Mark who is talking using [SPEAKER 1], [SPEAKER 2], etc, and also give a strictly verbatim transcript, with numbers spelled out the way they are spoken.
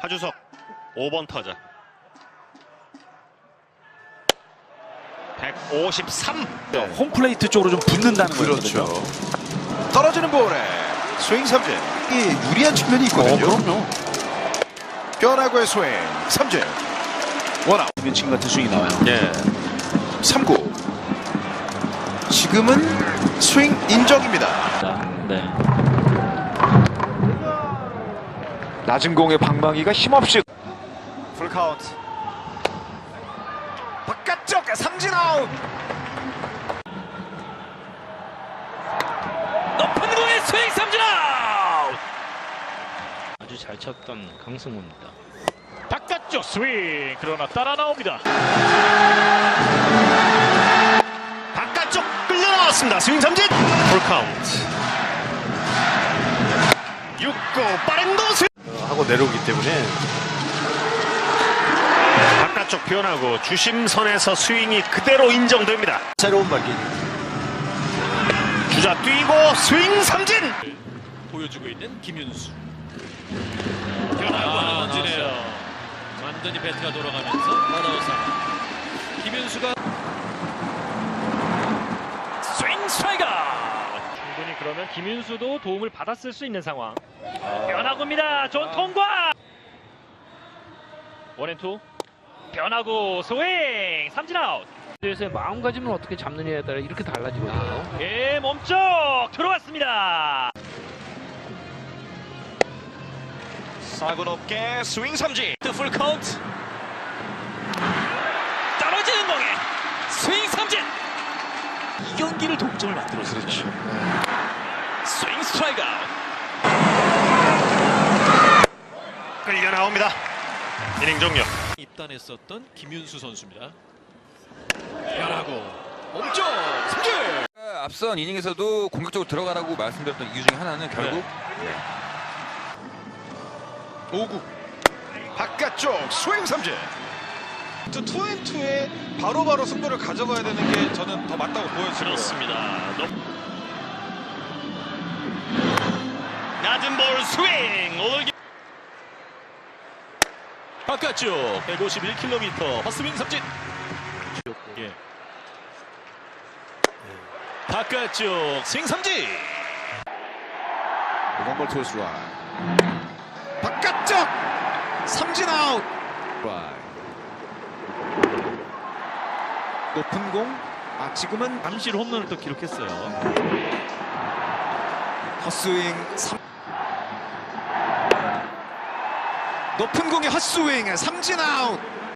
[SPEAKER 1] 하주석 오 번 타자. 백오십삼.
[SPEAKER 2] 홈플레이트 쪽으로 좀 붙는다는 거죠.
[SPEAKER 3] 그렇죠. 떨어지는 볼에 스윙 삼진. 이 유리한 측면이 있거든요.
[SPEAKER 2] 어, 그럼요.
[SPEAKER 3] 변화구의 스윙 삼진. 원아웃.
[SPEAKER 2] 지금 같은 스윙이 나와요.
[SPEAKER 1] 예.
[SPEAKER 3] 삼 구. 지금은 스윙 인정입니다.
[SPEAKER 2] 네.
[SPEAKER 4] 낮은 공의 방망이가 힘없이
[SPEAKER 3] 풀카운트. 바깥쪽 삼진 아웃.
[SPEAKER 5] 높은 공의 스윙 삼진 아웃. 아주 잘 쳤던 강승우입니다. 바깥쪽 스윙, 그러나 따라 나옵니다.
[SPEAKER 1] 바깥쪽 끌려 나왔습니다. 스윙 삼진. 풀카운트. 육 구 빠른 도스 하고 내려오기 때문에 바깥쪽 변하고 주심선에서 스윙이 그대로 인정됩니다. 새로운 발기. 주자 뛰고 스윙 삼진.
[SPEAKER 5] 보여주고 있는 김윤수. 변화구는 던지네요. 완전히 배트가 돌아가면서 나다우사. 김윤수가 스윙 스트라이크. 충분히 그러면 김윤수도 도움을 받았을 수 있는 상황. 변화구입니다. 존 통과. 원앤투. 변화구 스윙 삼진 아웃.
[SPEAKER 6] 에서의 마음가짐을 어떻게 잡느냐에 따라 이렇게 달라지거든요.
[SPEAKER 5] 예, 몸쪽 들어왔습니다.
[SPEAKER 3] 사구 높게 스윙 삼진.
[SPEAKER 5] 풀 카운트. 떨어지는 공에 스윙 삼진. 이 경기를 동점을 만들었어요.
[SPEAKER 3] 그렇죠.
[SPEAKER 5] 스윙 스트라이크 아웃.
[SPEAKER 1] 끌려 나옵니다. 이닝 종료.
[SPEAKER 5] 입단했었던 김윤수 선수입니다. 변하고 몸쪽 삼진.
[SPEAKER 7] 앞선 이닝에서도 공격적으로 들어가라고 말씀드렸던 이유 중에 하나는 결국
[SPEAKER 3] 오 구. 바깥쪽 스윙 삼진.
[SPEAKER 8] 투앤투에 바로바로 승부를 가져가야 되는 게 저는 더 맞다고 보여지고요.
[SPEAKER 5] 그렇습니다.
[SPEAKER 1] 낮은 볼 스윙. 오늘
[SPEAKER 5] 바깥쪽 백오십일 킬로미터 헛스윙 삼진. 예. 바깥쪽 스윙 삼진.
[SPEAKER 3] 원볼 투수 라인. 바깥쪽 삼진 아웃. 라인. 높은 공. 아 지금은
[SPEAKER 5] 잠실 홈런을 또 기록했어요.
[SPEAKER 3] 헛스윙 삼. 높은 공의 헛스윙 삼진 아웃.